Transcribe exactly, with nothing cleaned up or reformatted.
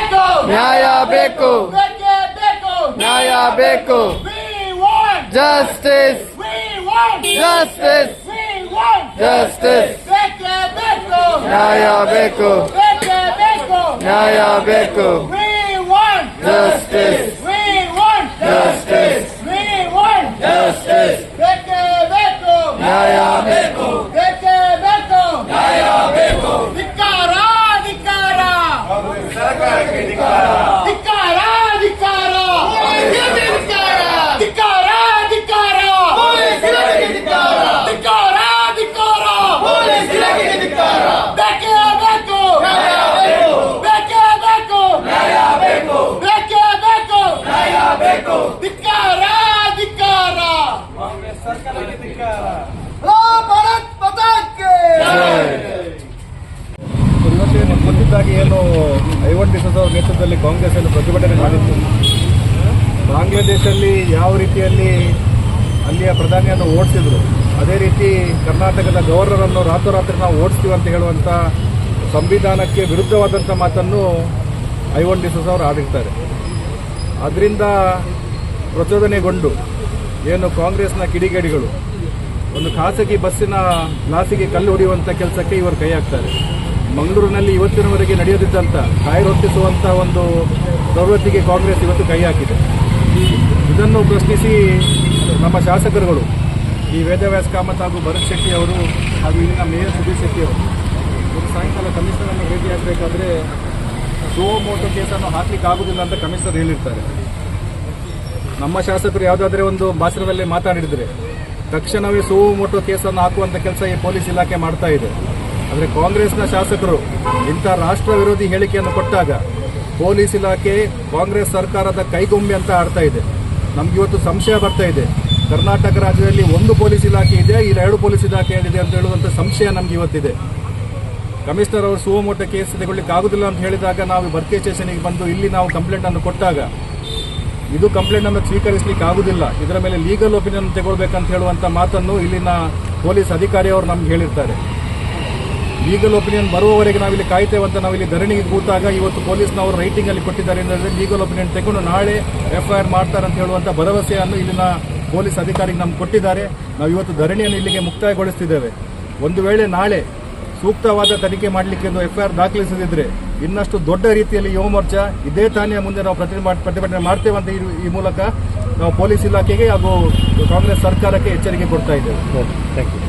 ನ್ಯಾಯ ಬೇಕು, ನ್ಯಾಯ ಬೇಕು, ಜಸ್ಟಿಸ್, ಜಸ್ಟಿಸ್, ಜಸ್ಟಿಸ್, ನ್ಯಾಯ ಬೇಕು, ನ್ಯಾಯ ಬೇಕು, ಜಸ್ಟಿಸ್, ಜಸ್ಟಿಸ್, ಜಸ್ಟಿಸ್, ನ್ಯಾಯ ಬೇಕು, ನ್ಯಾಯ ಬೇಕು, ಧಿಕ್ಕಾರ ಧಿಕ್ಕಾರ ಸರ್ಕಾರಕ್ಕೆ ಧಿಕ್ಕಾರ, ಧಿಕ್ಕಾರ ಧಿಕ್ಕಾರ ಧಿಕ್ಕಾರ ಧಿಕ್ಕಾರ ಧಿಕ್ಕಾರ ಧಿಕ್ಕಾರ ಬೇಕೇ ಬೇಕು, ಬೇಕೇ ಬೇಕು, ಬೇಕೇ ಬೇಕು, ಧಿಕ್ಕಾರ ಧಿಕ್ಕಾರ ಭಾರತ್ ಮಾತಾಕ್ಕೆ ಇವತ್ತೇ ನಿಮ್ಗೆ ಗೊತ್ತಿದ್ದಾಗಿ ಏನು ಐವನ್ ಡಿಸೋಜ ಅವರ ನೇತೃತ್ವದಲ್ಲಿ ಕಾಂಗ್ರೆಸ್ ಏನು ಪ್ರತಿಭಟನೆ ಮಾಡಿತ್ತು. ಬಾಂಗ್ಲಾದೇಶಲ್ಲಿ ಯಾವ ರೀತಿಯಲ್ಲಿ ಅಲ್ಲಿಯ ಪ್ರಧಾನಿಯನ್ನು ಓಡಿಸಿದ್ರು, ಅದೇ ರೀತಿ ಕರ್ನಾಟಕದ ಗವರ್ನರನ್ನು ರಾತ್ರೋರಾತ್ರಿ ನಾವು ಓಡಿಸ್ತೀವಿ ಅಂತ ಹೇಳುವಂಥ ಸಂವಿಧಾನಕ್ಕೆ ವಿರುದ್ಧವಾದಂಥ ಮಾತನ್ನು ಐವನ್ ಡಿಸೋಜ ಅವರು ಆಡಿರ್ತಾರೆ. ಅದರಿಂದ ಪ್ರಚೋದನೆಗೊಂಡು ಏನು ಕಾಂಗ್ರೆಸ್ನ ಕಿಡಿಗೇಡಿಗಳು ಒಂದು ಖಾಸಗಿ ಬಸ್ಸಿನ ಗ್ಲಾಸಿಗೆ ಕಲ್ಲು ಹೊಡೆಯುವಂಥ ಕೆಲಸಕ್ಕೆ ಇವರು ಕೈ ಹಾಕ್ತಾರೆ. ಮಂಗಳೂರಿನಲ್ಲಿ ಇವತ್ತಿನವರೆಗೆ ನಡೆಯದಿದ್ದಂಥ ಕಾಯಿ ಹೊತ್ತಿಸುವಂಥ ಒಂದು ಪ್ರವೃತ್ತಿಗೆ ಕಾಂಗ್ರೆಸ್ ಇವತ್ತು ಕೈ ಹಾಕಿದೆ. ಇದನ್ನು ಪ್ರಶ್ನಿಸಿ ನಮ್ಮ ಶಾಸಕರುಗಳು ಈ ವೇದವ್ಯಾಸ ಕಾಮತ್ ಹಾಗೂ ಭರತ್ ಶೆಟ್ಟಿ ಅವರು ಹಾಗೂ ಇಲ್ಲಿನ ಮೇಯರ್ ಸುಧೀರ್ ಶೆಟ್ಟಿ ಅವರು ಒಂದು ಸಾಯಂಕಾಲ ಕಮಿಷನರನ್ನು ಭೇಟಿಯಾಗಬೇಕಾದ್ರೆ ಸೋ ಮೋಟೋ ಕೇಸನ್ನು ಹಾಕಲಿಕ್ಕೆ ಆಗುವುದಿಲ್ಲ ಅಂತ ಕಮಿಷನರ್ ಹೇಳಿರ್ತಾರೆ. ನಮ್ಮ ಶಾಸಕರು ಯಾವುದಾದ್ರೂ ಒಂದು ಭಾಷಣದಲ್ಲಿ ಮಾತಾಡಿದರೆ ತಕ್ಷಣವೇ ಸೋ ಮೋಟೋ ಕೇಸನ್ನು ಹಾಕುವಂಥ ಕೆಲಸ ಈ ಪೊಲೀಸ್ ಇಲಾಖೆ ಮಾಡ್ತಾ ಇದೆ. ಆದರೆ ಕಾಂಗ್ರೆಸ್ನ ಶಾಸಕರು ಇಂಥ ರಾಷ್ಟ್ರ ವಿರೋಧಿ ಹೇಳಿಕೆಯನ್ನು ಕೊಟ್ಟಾಗ ಪೊಲೀಸ್ ಇಲಾಖೆ ಕಾಂಗ್ರೆಸ್ ಸರ್ಕಾರದ ಕೈಗೊಂಬೆ ಅಂತ ಆಡ್ತಾ ಇದೆ. ನಮಗಿವತ್ತು ಸಂಶಯ ಬರ್ತಾ ಇದೆ, ಕರ್ನಾಟಕ ರಾಜ್ಯದಲ್ಲಿ ಒಂದು ಪೊಲೀಸ್ ಇಲಾಖೆ ಇದೆ, ಇಲ್ಲ ಎರಡು ಪೊಲೀಸ್ ಇಲಾಖೆ ಇದೆ ಅಂತ ಹೇಳುವಂಥ ಸಂಶಯ ನಮ್ಗೆ ಇವತ್ತಿದೆ. ಕಮಿಷನರ್ ಅವರು ಸುವಮೋಟೋ ಕೇಸ್ ತೆಗೊಳ್ಳಿಕ್ಕೆ ಆಗುದಿಲ್ಲ ಅಂತ ಹೇಳಿದಾಗ ನಾವು ಬರ್ಕೆ ಸ್ಟೇಷನ್ಗೆ ಬಂದು ಇಲ್ಲಿ ನಾವು ಕಂಪ್ಲೇಂಟನ್ನು ಕೊಟ್ಟಾಗ ಇದು ಕಂಪ್ಲೇಂಟನ್ನು ಸ್ವೀಕರಿಸಲಿಕ್ಕೆ ಆಗುದಿಲ್ಲ, ಇದರ ಮೇಲೆ ಲೀಗಲ್ ಒಪಿನಿಯನ್ ತಗೊಳ್ಬೇಕಂತ ಹೇಳುವಂಥ ಮಾತನ್ನು ಇಲ್ಲಿನ ಪೊಲೀಸ್ ಅಧಿಕಾರಿಯವರು ನಮ್ಗೆ ಹೇಳಿರ್ತಾರೆ. ಲೀಗಲ್ ಒಪಿನಿಯನ್ ಬರುವವರೆಗೆ ನಾವಿಲ್ಲಿ ಕಾಯ್ತೇವೆ ಅಂತ ನಾವಿಲ್ಲಿ ಧರಣಿಗೆ ಕೂತಾಗ ಇವತ್ತು ಪೊಲೀಸ್ನವರು ರೈಟಿಂಗಲ್ಲಿ ಕೊಟ್ಟಿದ್ದಾರೆ ಅಂದರೆ ಲೀಗಲ್ ಒಪಿನಿಯನ್ ತಗೊಂಡು ನಾಳೆ ಎಫ್ಐಆರ್ ಮಾಡ್ತಾರೆ ಅಂತ ಹೇಳುವಂಥ ಭರವಸೆಯನ್ನು ಇಲ್ಲಿನ ಪೊಲೀಸ್ ಅಧಿಕಾರಿಗೆ ನಮ್ಗೆ ಕೊಟ್ಟಿದ್ದಾರೆ. ನಾವು ಇವತ್ತು ಧರಣಿಯನ್ನು ಇಲ್ಲಿಗೆ ಮುಕ್ತಾಯಗೊಳಿಸ್ತಿದ್ದೇವೆ. ಒಂದು ವೇಳೆ ನಾಳೆ ಸೂಕ್ತವಾದ ತನಿಖೆ ಮಾಡಲಿಕ್ಕೆ ಒಂದು ಎಫ್ಐಆರ್ ದಾಖಲಿಸದಿದ್ದರೆ ಇನ್ನಷ್ಟು ದೊಡ್ಡ ರೀತಿಯಲ್ಲಿ ಯುವ ಮೋರ್ಚಾ ಇದೇ ತಾನೇ ಮುಂದೆ ನಾವು ಪ್ರತಿಭಟನೆ ಮಾಡ್ತೇವೆ ಅಂತ ಈ ಮೂಲಕ ನಾವು ಪೊಲೀಸ್ ಇಲಾಖೆಗೆ ಹಾಗೂ ಕಾಂಗ್ರೆಸ್ ಸರ್ಕಾರಕ್ಕೆ ಎಚ್ಚರಿಕೆ ಕೊಡ್ತಾ ಇದ್ದೇವೆ. Thank you.